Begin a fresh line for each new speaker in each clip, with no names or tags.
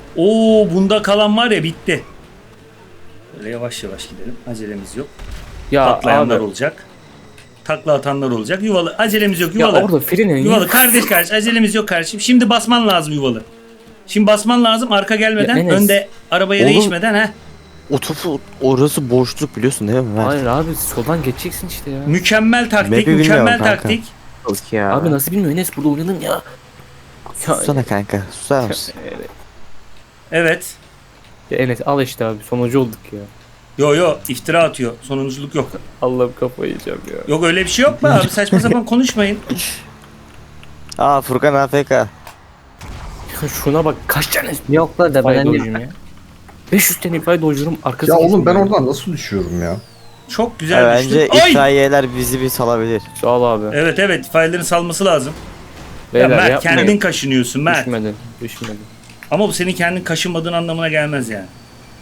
Oo, bunda kalan var ya, bitti. Böyle yavaş yavaş gidelim. Acelemiz yok.
Ya
Patlayanlar
abi.
olacak. Takla atanlar olacak. Yuvalı. Acelemiz yok.
Ya
Yuvalı.
orada freni
Yuvalı kardeş kardeş, acelemiz yok kardeşim. Şimdi basman lazım yuvalı. Şimdi basman lazım arka gelmeden,
Ya Enes.
önde arabaya
Oğlum.
değişmeden ha.
O topu orası boşluk biliyorsun değil mi Mert?
Hayır abi soldan geçeceksin işte ya.
Mükemmel taktik,
Map'i
mükemmel
bilmiyorum kanka.
taktik.
Yok ya.
Abi nasıl bilmiyor Enes burada oynadın ya.
Sussana kanka. Susar mısın?
Evet.
Ya Enes al işte abi sonucu olduk ya.
Yo yo, iftira atıyor. Sonunculuk yok.
Allah'ım kafayı yiyeceğim ya.
Yok öyle bir şey yok mu abi? Saçma sapan konuşmayın.
Aa Furkan AFK.
Şuna bak kaç tane
Yok la da
ifade
ben
dojum ya. 500 tane ifade dojurum arkası.
Ya oğlum ben oradan nasıl düşüyorum ya?
Çok güzel
Bence
düştün. Ay!
itfaiyeler bizi bir salabilir.
Sağ ol abi.
Evet evet, faillerin salması lazım.
Beyler,
ya Mert
yapmayın.
kendin kaşınıyorsun Mert.
Düşmedin. Düşmedin.
Ama bu senin kendin kaşınmadığın anlamına gelmez yani.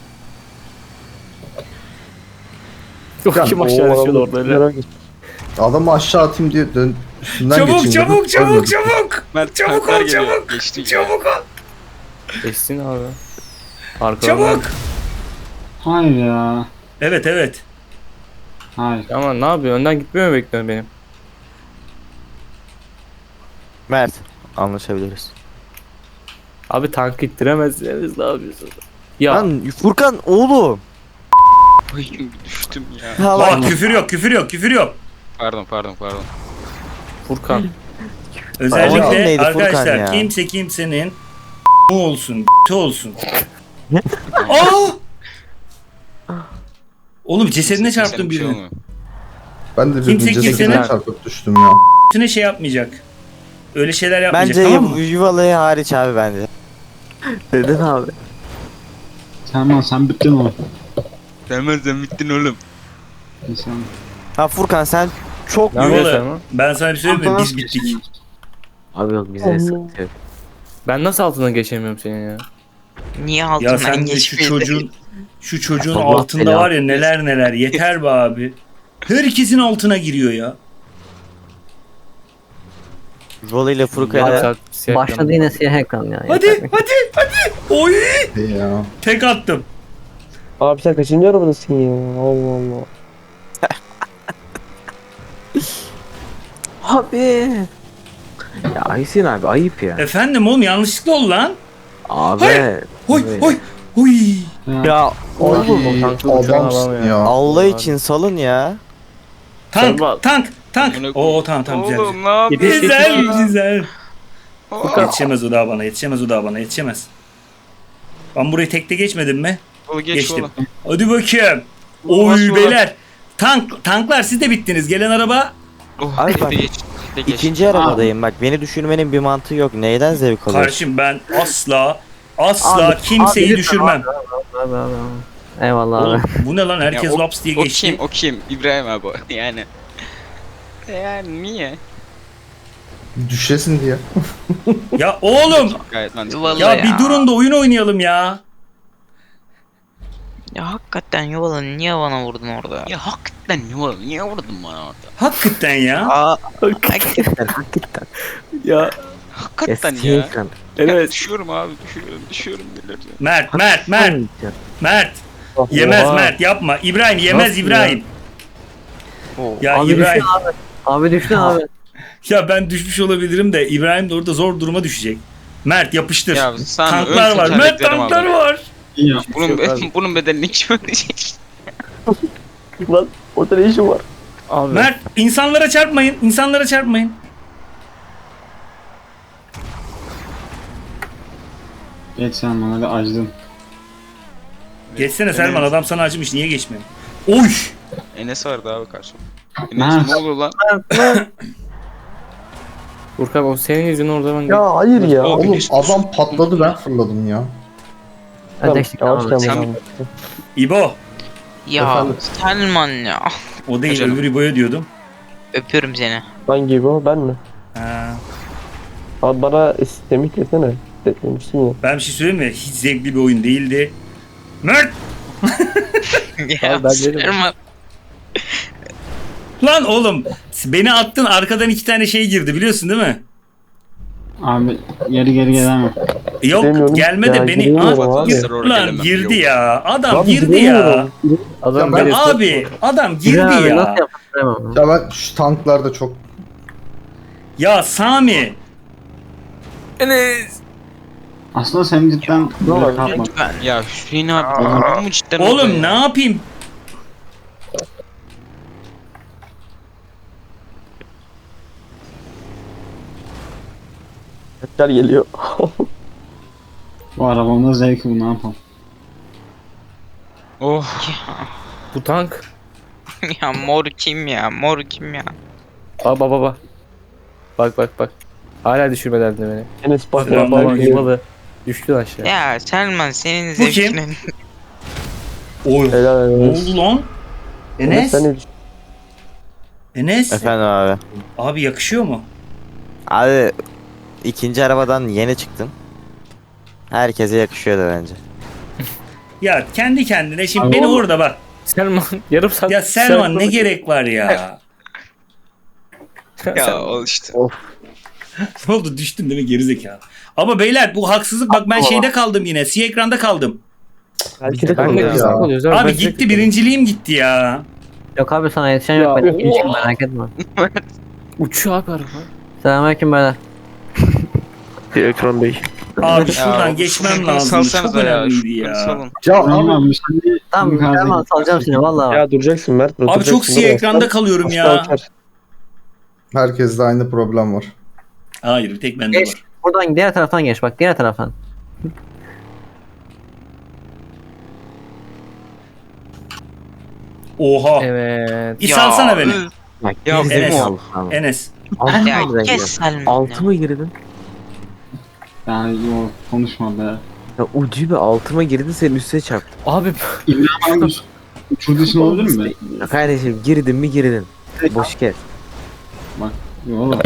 Yok kim aşağı düşüyordu orada öyle.
Adamı aşağı atayım diye üstünden
Çabuk
geçeyim
çabuk
dedim,
çabuk
ölmedim.
çabuk.
Mert
Çabuk
tanklar
ol
geliyor.
çabuk.
Geçti.
Çabuk ol.
Geçsin abi. Arkadan.
Çabuk.
Hayır ya.
Evet evet.
Hayır.
Ama ne yapıyor? Önden gitmiyor mu bekliyorsun benim?
Mert. Anlaşabiliriz.
Abi tank ittiremezsiniz ne yapıyorsunuz? Ya
Lan Furkan oğlum.
Ay, düştüm ya.
Ya
Bak
lan.
küfür yok küfür yok küfür yok.
Pardon.
Furkan.
Oğlum
Özellikle
neydi Furkan
arkadaşlar
ya?
kimse kimsenin olsun olsun. Aa! Oğlum cesedine çarptım
Bir şey
birinin.
olmuyor.
Ben de
Kimse
birinin
kimsenin-
cesedine çarpıp düştüm ya.
Üstüne şey yapmayacak. Öyle şeyler yapmayacak,
Bence
tamam mı?
yuvalığı hariç abi bence. Neden abi?
Sen bittin oğlum.
Sen bittin oğlum.
Sen.
Ha Furkan sen çok
Ne yapıyorsun
Yuvalı,
sen lan?
ben sana bir söyleyeyim mi? Biz bittik.
Abi yok bize sıkıntı yok.
Ben nasıl altından geçemiyorum senin ya?
Niye
Ya
altından
sen de
geçmiyor?
şu çocuğun
Allah
altında
belanı
var ya neler neler, yeter be abi. Herkesin altına giriyor ya.
Yuvalı ile Furkan'a
Saat siyah
Başladı
ekran.
yine siyah ekran ya.
Hadi
yeter.
hadi. Oy!
Ya.
Tek attım.
Abi sen kaçıncı arabadasın ya? Allah Allah.
Abi. Ya Aysin abi ayıp ya.
Efendim oğlum, yanlışlıkla oldu lan.
Abi.
Oy
abi.
oy oy.
ya
Oğlum o tankı uçağına
Adamsın
alamıyor.
ya.
Allah için salın ya.
Tank
Selma.
tank.
Amına
Oo tamam güzel.
Oğlum ne yapıyorsun?
Güzel
ya?
güzel.
Aa,
Yetişemez o daha bana, yetişemez. Ben burayı tekte geçmedim mi?
oğlum, geç
Geçtim.
oğlum.
Hadi bakayım.
Oğlum, nasıl
Oy
olur?
beyler. Tanklar siz de bittiniz. Gelen araba.
Oh,
Abi
tekte
bak,
geç. Tekte geç.
İkinci arabadayım bak beni düşürmenin bir mantığı yok. Neyden zevk alıyorsun?
Kardeşim ben asla
Abi,
kimseyi
abi,
düşürmem.
Abi. Eyvallah
Oğlum,
abi.
bu ne lan? Herkes
Ya,
laps diye
O
geçti.
kim? O kim? İbrahim abi. Yani. Yani niye?
Düşesin diye.
Ya oğlum,
Gayet mantıklı.
Vallahi
ya bir durun da oyun oynayalım ya.
Ya hakikaten Yuvalı niye bana vurdun orada?
Ya hakikaten niye vurdun bana orada?
Hakikaten ya.
Aa,
Hakikaten hakikaten.
Ya
Hakikaten
Siyah
ya.
ekran.
evet.
Düşüyorum abi düşüyorum birileri.
Mert. Yemez
Oha.
Mert, yapma. İbrahim yemez
Nasıl
İbrahim. Ya
Abi
İbrahim.
düştü abi. Abi düştü abi.
Ya ben düşmüş olabilirim de İbrahim de orada zor duruma düşecek. Mert yapıştır.
Ya sen
Tanklar
öl
var. Mert
tekerleklerim
tanklar
abi.
var.
Ya.
Bunun bedelini kim ödeyecek?
Lan orada ne işin var?
Abi.
Mert insanlara çarpmayın.
Geç sen bana da acıdın.
Geçsene Selman, adam sana acımış, niye geçmiyorsun? Oy!
Enes vardı abi karşımda.
Mert.
Enes ne oluyor lan?
Furkan o senin yüzünden orada ben
Ya hayır ya.
O-
Oğlum
geçmiş
adam patladı, ben fırladım ya.
Ödeştik
Yavaş
abi.
gel
Sen-
bakalım.
İbo.
ya
Efendim?
Selman ya.
O değil,
Canım.
öbür İbo'ya diyordum.
Öpüyorum seni.
Hangi bu? Ben mi?
Ha.
Abi bana sistemi kesene. Demişsin ya.
Ben bir şey söyleyeyim mi? Hiç zevkli bir oyun değildi. Mert!
Ya
Abi ben dedim.
Selman.
Lan oğlum, beni attın, arkadan iki tane şey girdi biliyorsun değil mi?
Abi geri gelemem.
Yok
Demiyorum.
gelme de
Ya,
beni.
giremiyorum
Aa,
abi.
Lan girdi ya. Adam
Lan
girdi ya.
giremiyorum.
Adam
Ya ben-
Ya abi adam girdi
İbrahim abi
ya.
nasıl yaptın?
Ya ben şu tanklarda çok...
Ya Sami.
Enes.
Aslında sen cidden böyle
var?
kalkma.
Lütfen.
Ya Hüseyin abi olur mu cidden orada
Oğlum
ya?
ne yapayım?
Gel geliyor.
Bu arabamda zevki bu, ne yapalım.
Oh.
Bu tank.
Ya mor kim ya? Mor kim ya?
Aa baba. Bak. Hala düşürmeden de beni.
Enes bak.
Baba,
Baba
geliyor.
yuvalı. Düştü aşağı.
Ya Selman senin
Bu kim?
zevkinin.
Oy.
Helal
Ne
Enes.
oldu lan? Enes.
Sen ne düşün?
Enes.
Efendim abi.
Abi yakışıyor mu?
Abi ikinci arabadan yeni çıktım. Herkese yakışıyordu bence.
Ya kendi kendine şimdi beni orada bak.
Selman yarım saat.
Ya Selman ne gerek var ya?
Ya ol işte.
Ne oldu düştün değil mi gerizekalı? Ama beyler bu haksızlık bak ben şeyde kaldım yine. Siyah ekranda kaldım.
Belki de
Ben de
Ya.
kızak oluyoruz abi.
Abi
Ben de-
gitti birinciliğim gitti ya.
Yok abi sana yetişen
Ya,
yok ben
of.
ikinciyim merak etme.
Uçuyor abi araba.
Selamünaleyküm beyler.
Ekran Bey.
Abi
Ya,
şuradan geçmem lazım. Çok
salsanıza
önemliydi
şunu
ya.
salın.
Ya
Tamam
abi
abi sen de...
Tamam Selman salacağım seni valla.
Ya duracaksın Mert.
Abi çok siyah ekranda kalıyorum ya.
herkeste aynı problem var.
Hayır bir tek bende
Geç.
var.
Buradan diğer taraftan geç bak diğer taraftan.
Oha.
Evet.
Bir salsana beni.
Ya
Enes.
Emo.
Enes.
Ya kes Selman
Altı
ya.
mı girdin?
Yani yok konuşma be.
Ya ucu bir altıma girdin senin üstüne çarptı.
Abi
İbrahim abi uçurduğu için olabilir mi?
Ya kardeşim girdin mi girdin. Boş gel.
Yok oğlum.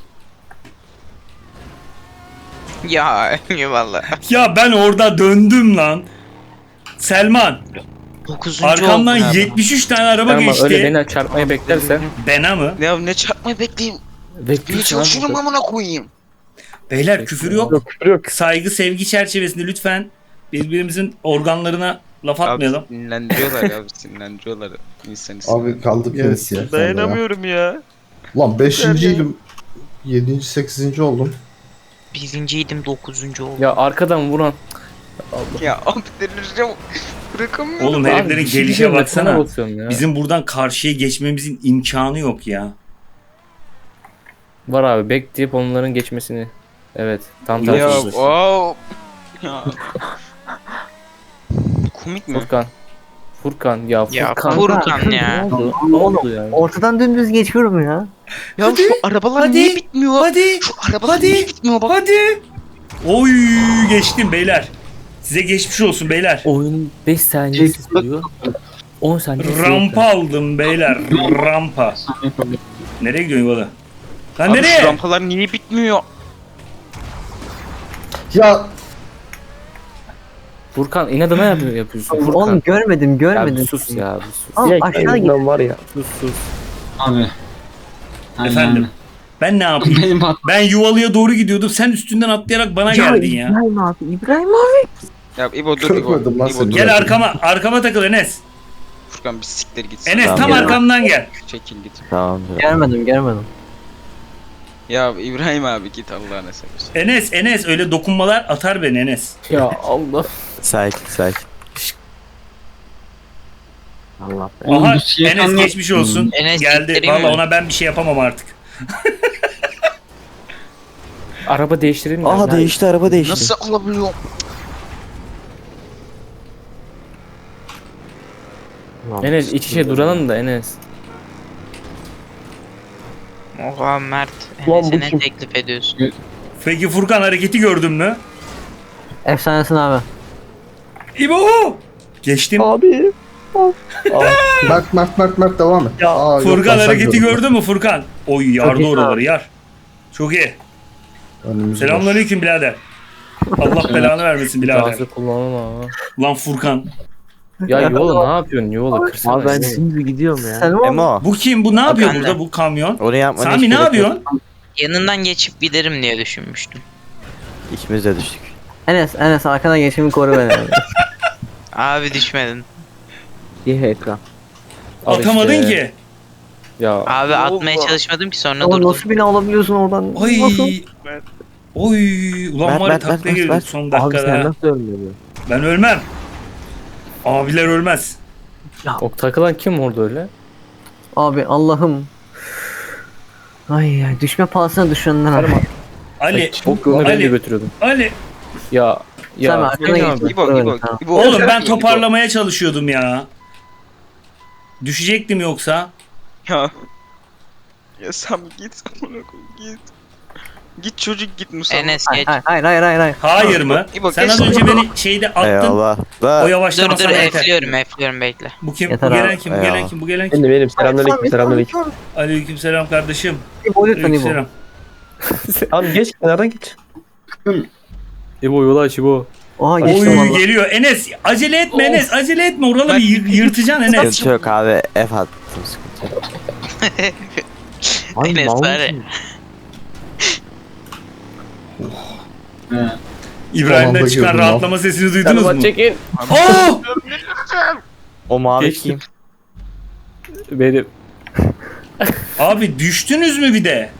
Ya eyvallah.
Ya ben orada döndüm lan. Selman
9.
arkamdan
oldun abi.
73 tane araba
Selman
geçti.
öyle beni çarpmaya beklersen.
Bena mı?
Ya ne çarpmayı bekleyeyim. Niye
Bekliyorsun
çalışıyorum
abi.
amına koyayım.
Beyler küfür yok.
Yok küfür yok.
Saygı sevgi çerçevesinde lütfen birbirimizin organlarına laf
Abi
atmayalım.
sinirlendiriyorlar ya, sinirlendiriyorlar insanı.
Abi kaldık yine siyah ekranda ya.
Dayanamıyorum ya.
Ulan 5.'ydim. 7. 8. oldum.
Birinciydim 9. oldum.
Ya arkadan vuran.
Ya abi delireceğim. Bırakamıyorum.
Oğlum
Abi,
heriflerin
bir şey
gelişe
diyeceğim de sana
baksana.
basıyorum ya.
Bizim buradan karşıya geçmemizin imkanı yok ya.
Var abi bekleyip onların geçmesini. Evet. Tam
Ya
tersi.
wow. Ya. Komik mi?
Furkan ya
Ya
Furkan.
Furkan ya.
Ne oldu? Ne oldu ya?
Ortadan dümdüz geçiyorum ya.
Ya
Hadi,
şu arabalar
hadi,
niye bitmiyor?
Hadi.
Şu arabalar
Hadi.
niye bitmiyor bak.
Hadi. Oy geçtim beyler. Size geçmiş olsun beyler.
Oyun 5 saniye sürüyor. 10 saniye sürüyor.
Rampa aldım beyler. Rampa. Nereye gidiyorsun Yuvalı? Lan
Abi şu
nereye?
rampalar niye bitmiyor?
Ya
Furkan inadına yapıyorsun. Furkan.
Oğlum görmedim
Ya bir
görmedim.
sus ya bir sus.
Oğlum
Ya
aşağı git.
var ya.
Sus.
Abi.
Efendim? Ben ne yapayım?
Benim hat.
Ben Yuvalı'ya doğru gidiyordum. Sen üstünden atlayarak bana geldin ya.
İbrahim abi İbrahim abi.
Ya İbo dur İbo.
Kırmadım lan
İbo
seni.
dur.
Gel arkama. Arkama takıl Enes.
Furkan bir siktir git.
Enes
Tamam,
tam
gel.
arkamdan gel.
Çekil git.
Tamamdır.
Görmedim.
Ya İbrahim abi git Allah'ına seversen.
Enes öyle dokunmalar atar beni Enes.
Ya Allah.
Sakin.
Allah be.
Oğlum,
Aha
bu siyah
Enes
ekranlar-
geçmiş olsun.
Enes
Geldi.
siktireyim
Valla
mi?
ona ben bir şey yapamam artık.
Araba değiştirelim mi?
Aha değişti araba değişti.
Nasıl alabiliyorum?
Enes iç içe duralım da Enes.
Oha Mert.
Ulan bu
Enes'e ne
kim?
teklif ediyorsun?
Peki Furkan hareketi gördün mü?
Efsanesin abi.
İbo! Geçtim.
Abi.
Mert devam et. Aa, yok,
Furkan
ben sen
hareketi
gördüm.
gördün mü Furkan? Oy yardı
iyi
oraları yar. Çok iyi.
Önümüz boş.
Selamünaleyküm birader. Allah belanı vermesin birader.
Gazı kullanma.
Lan Furkan.
Ya yola ne yapıyorsun yola kırsana.
Abi ben şimdi gidiyorum ya.
Selman.
Emo
Bu kim? Bu ne yapıyor
Ben de.
burada bu kamyon?
onu yapmanı
Sami
hiç
ne
gerek yok.
yapıyorsun?
Yanından geçip giderim diye düşünmüştüm.
İkimiz de düştük.
Enes arkadan geçimi koru beni.
Abi düşmedin.
Bir ekran.
Al
Atamadın
işte.
ki.
Ya
Abi atmaya çalışmadım ki sonra
Oğlum
durdum.
nasıl bina alabiliyorsun oradan?
Ay.
Nasıl?
Oy. Ulan
Mert,
var ya
Mert,
taklaya
Mert,
girdik
Mert.
son
Abi
dakikada.
sen
ha.
nasıl ölmedin?
Ben ölmem. Abiler ölmez.
o takılan kim orada öyle?
Abi Allah'ım. Ay düşme pahasına düşünenler abi.
Ali.
Çok yolunu ben de
Ali.
götürüyordum.
Ali.
Ya
Sen
ya
arkana
Cenk
geç.
abi.
İbo.
Oğlum ben toparlamaya çalışıyordum ya. Düşecektim yoksa.
Ya. Ya sen git. Git. Git çocuk git Musa.
Enes geç.
Hayır.
Hayır mı?
İbo,
Sen
geç.
az önce beni şeyde attın.
Eyvallah.
O
Da
Dur
yavaşlama
dur
sana yeter.
F'liyorum bekle.
Bu kim?
Yeter
Bu gelen
abi.
kim? Bu gelen
Eyvallah.
kim? Bu gelen kim?
Benim selamünaleyküm selamünaleyküm.
Aleykümselam kardeşim.
İbo lütfen İbo.
Aleykümselam.
Tamam geç kenardan geç.
İbo yola aç İbo.
Oha geçtim
Oy
valla.
geliyor. Enes acele etme Enes. Acele etme. Oraları bir yırtacaksın Enes.
sıkıntı yok abi. F attım sıkıntı yok.
Ay
Enes
mal
var ya.
mısın?
İbrahim'den
Son anda
çıkan
girdim
rahatlama sesini duydunuz mu?
Çekin.
Oh!
O mavi
Geçtim.
kim?
Benim.
Abi düştünüz mü bir de?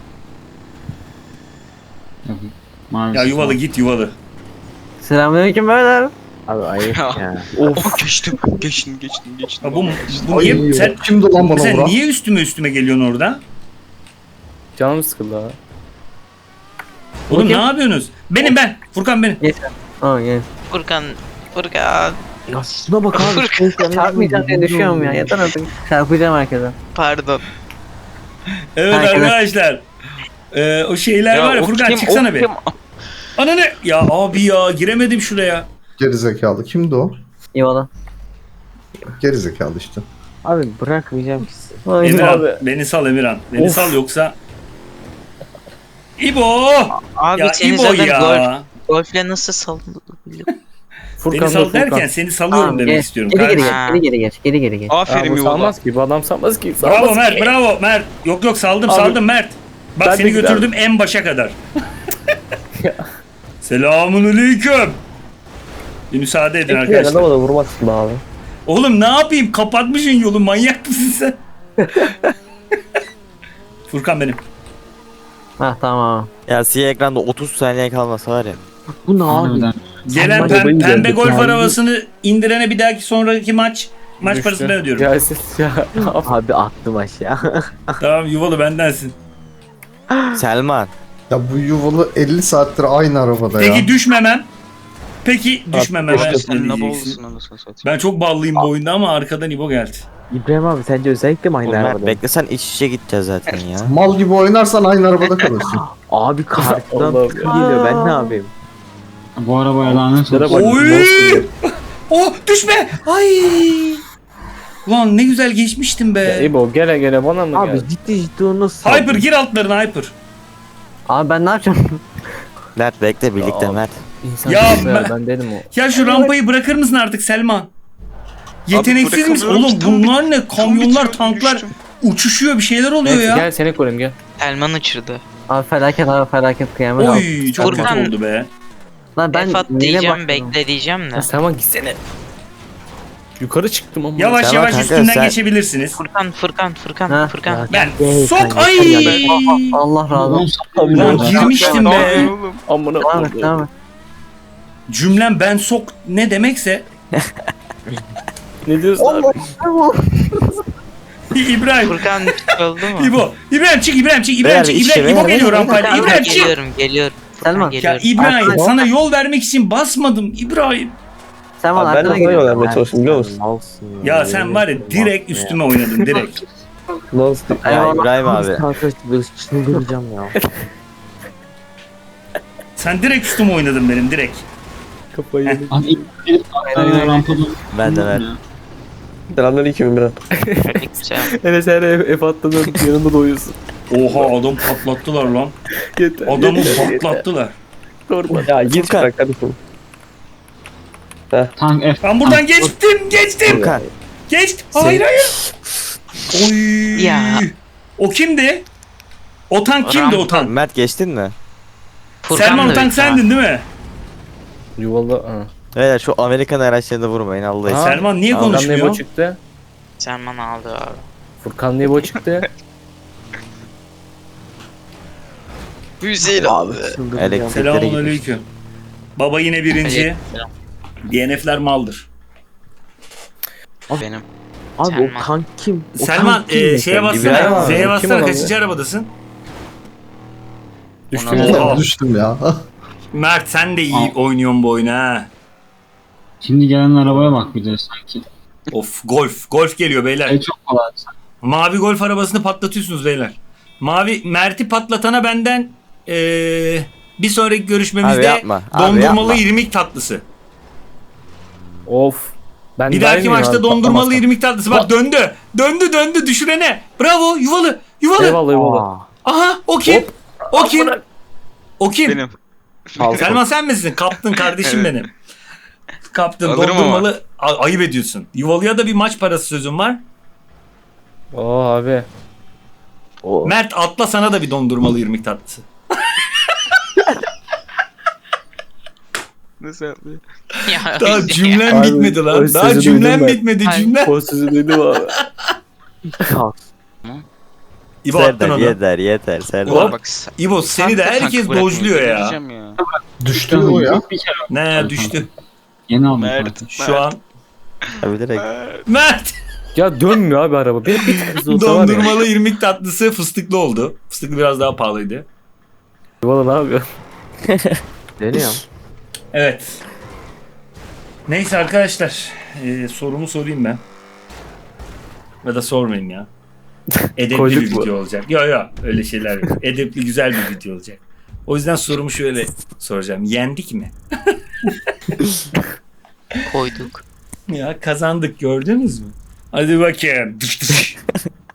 Maalesef.
Ya yuvalı git yuvalı.
Selamünaleyküm beyler.
Abi ayıp
Ya.
ya.
Of geçtim. Geçtim.
Ya bu
Ay,
niye sen,
kimdi lan bana
sen
vuran?
niye üstüme geliyorsun orada?
Canım sıkıldı ha.
Oğlum
Bakayım.
ne yapıyorsunuz? Ben. Furkan benim.
Aa gel.
Furkan.
Ya şuna bak abi.
Çarpmayacağım diye düşüyorum ya. Yeter artık. Çarpacağım herkese.
Pardon.
Evet
Herkese-
arkadaşlar. O şeyler var ya
o
Furkan
kim,
çıksana
o
bir.
kim?
Ananı. Ya abi ya giremedim şuraya.
Gerizekalı. Kimdi o?
Eyvallah.
Gerizekalı işte.
Abi bırakmayacağım ki sizi.
Ay,
Emirhan
abi.
beni sal Emirhan. Beni
Of.
sal yoksa. İbo.
Abi
Ya
seni
İbo
zaten
ya.
golfle nasıl saldın?
Furkan
Beni sal
dur, Furkan.
derken seni salıyorum
Tamam,
demek
geç.
istiyorum.
Geri
kardeşim.
geç. Geri geç.
Aferin
bu
yuva.
salmaz ki. Bu adam salmaz ki.
Bravo
Salmaz
Mert,
ki.
bravo Mert. Yok saldım
Abi,
saldım Mert. Bak
ben de
seni
güzel.
götürdüm en başa kadar. Selamünaleyküm. Bir müsaade edin
Tek bir
arkadaşlar.
adama da vurmazsın be abi.
Oğlum ne yapayım? Kapatmışsın yolu. Manyak mısın sen? Furkan benim.
Ha tamam.
Ya siyah ekranda 30 saniye kalmasa var ya.
Bu ne abi?
Harbiden.
Gelen
Aman babayı
pembe
gördük
golf
yani.
arabasını indirene bir dahaki sonraki maç
Düştü.
parasını ben ödüyorum.
Ya siz ya.
Abi attım aşağı.
Tamam yuvalı bendensin.
Selman.
Ya bu yuvalı 50 saattir aynı arabada ya.
Peki düşmemem. Peki düşmemem.
Abi
Ben,
sen ne
diyeceksin.
bolsun anasını satayım.
Ben çok ballıyım bu oyunda ama arkadan İbo geldi.
İbrahim abi sence özellikle mi aynı
Oğlum Mert
arabada?
beklesen iç içe gideceğiz zaten ya.
Mal gibi oynarsan aynı arabada kalırsın.
Abi karşıdan
Allah'ım
tıkı geliyor ben ne yapayım?
Bu arabaya lanet
Şuna
olsun.
bak.
Oy! Oh düşme! Ay! Ulan ne güzel geçmiştim
Ya
be.
İbo gele bana mı
Abi
geldi?
ciddi o nasıl?
Hyper gir altlarına Hyper.
Abi ben ne yapacağım?
Mert bekle birlikte
Ya.
Mert.
İnsan
Ya
ya,
ben-
ben dedim o.
Ya şu rampayı bırakır mısın artık Selman? Yeteneksiz misin?
bırakamıyorum
Oğlum
ki, tam
bunlar ne? Kamyonlar,
bitiriyorum,
tanklar
düştüm.
uçuşuyor bir şeyler oluyor
Neyse,
ya.
gel seni koyayım gel.
Elman uçurdu.
Abi felaket kıyamet.
Oy çok
Furkan-
kötü oldu be.
Lan ben
Efat
neyine
diyeceğim
bakıyorum?
bekle diyeceğim de.
Ya Selman gitsene. Yukarı çıktım ama.
Yavaş
Selman
yavaş
kanka,
üstünden
sen-
geçebilirsiniz.
Furkan.
Ha,
Furkan.
Ben
Hey,
sok
kanka,
ay.
yeter
Allah razı olsun.
Ulan
Ya.
girmiştim
Ne
be.
yapıyorsun oğlum?
Amına
Devam et
koyayım.
devam et.
Cümlem ben sok ne demekse
Ne diyorsun abi?
İbrahim.
Furkan oldu mu?
İbrahim çık İbrahim çık
Beyler,
çık
işte,
İbrahim İbo
beyler,
geliyor rampayla.
Furkan,
İbrahim çık.
geliyorum.
Selman.
Furkan,
Ya
geliyorum.
İbrahim
Arkadaş-
sana yol vermek için basmadım İbrahim.
Selman
Abi ben de
arkana
sana yol
geliyor.
vermeye çalıştım biliyor musun?
Malsın
Ya sen var ya direkt üstüme oynadın direkt.
Nasıl?
Ya
Eyvallah.
İbrahim abi.
Kanka böyle çıldıracağım ya.
Sen direkt üstüme oynadın benim direkt.
Kafayı yedim.
Abi ilk
Aynen.
rampada.
Ben de Mert.
Selamünaleyküm İmran.
Güzel.
Enes her F attığında yanında doyuyorsun.
Oha adam patlattılar lan.
Yeter.
Adamı
yeter,
patlattılar.
Korkma.
Ya git
Furkan.
bırak kardeşim.
Tank F.
Ben buradan geçtim.
Furkan.
Hayır. Oy.
Ya.
O kimdi? O tank kimdi o tank?
Mert geçtin mi?
Furkan
Selman o
da
tank
büyük
sendin değil mi?
Yuvalı. Ha.
Beyler şu Amerikan araçlarını vurmayın Allah için.
Selman niye
Tamam,
Furkan Nebo
konuşmuyor?
çıktı.
Selman aldı abi.
Furkan Nebo çıktı.
Hüseyin abi.
Elektrikleri
Selamun
gidiyor.
aleyküm. Baba yine birinci. DNF'ler maldır.
Benim.
Abi
Selman.
o tank kim? O
Selman
tank kim
şeye
mesela?
bassana.
İbrahim abi,
Z'ye
kim
bassana
olan
kaçıncı
ya?
arabadasın?
Düştü.
Oha.
Düştüm ya.
Mert sen de iyi oynuyorsun bu oyunu ha.
Şimdi gelen arabaya bak bir de sanki.
Of golf. Golf geliyor beyler.
Çok kolay.
Mavi golf arabasını patlatıyorsunuz beyler. Mavi Mert'i patlatana benden bir sonraki
Abi
görüşmemizde
yapma, abi
dondurmalı
yapma.
irmik tatlısı.
Of. Ben
Bir
dahil
dahaki
miyim
maçta
abi?
dondurmalı
Patlamazsa.
irmik tatlısı. Bak döndü. Döndü düşürene. Bravo yuvalı.
Eyvallah eyvallah.
Aa,
Aha o kim? O kim? O kim?
Benim.
Selman sen misin? Kaptın kardeşim
Evet.
benim. Kaptın
Alırım
dondurmalı. Ayıp ediyorsun. Yuvalıya da bir maç parası sözüm var.
Oo abi.
o.
Mert atla sana da bir dondurmalı irmik tatlısı.
Nasıl yapıyor?
Ya,
Daha
Hüseyin
cümlem
Abi,
bitmedi
o
lan. Daha
sözü
cümlem
duydum ben.
bitmedi
Ay.
cümle.
O sözü duydum abi.
İbo attın
Serdar
onu.
yeter Serdar.
Hop.
Bak,
İbo seni de
Tank
herkes
bırakmayın,
dojluyor ya.
delireceğim ya.
Düştü mü o ya?
Bir kere
Ne düştü.
yeni aldım.
Mert.
Şu an.
Abi direkt.
Mert.
Ya dönmüyor abi araba. Bir tık hızlı olsa var ya.
Dondurmalı irmik tatlısı fıstıklı oldu. Fıstıklı biraz daha pahalıydı.
Yuvalı ne yapıyor?
Deniyorum.
Evet. Neyse arkadaşlar. Sorumu sorayım ben. Ya da sormayayım ya. Edepli
Koyduk
bir
mu?
video olacak. Yok öyle şeyler yok. Edepli güzel bir video olacak. O yüzden sorumu şöyle soracağım. Yendik mi?
koyduk.
Ya kazandık gördünüz mü? Hadi bakayım.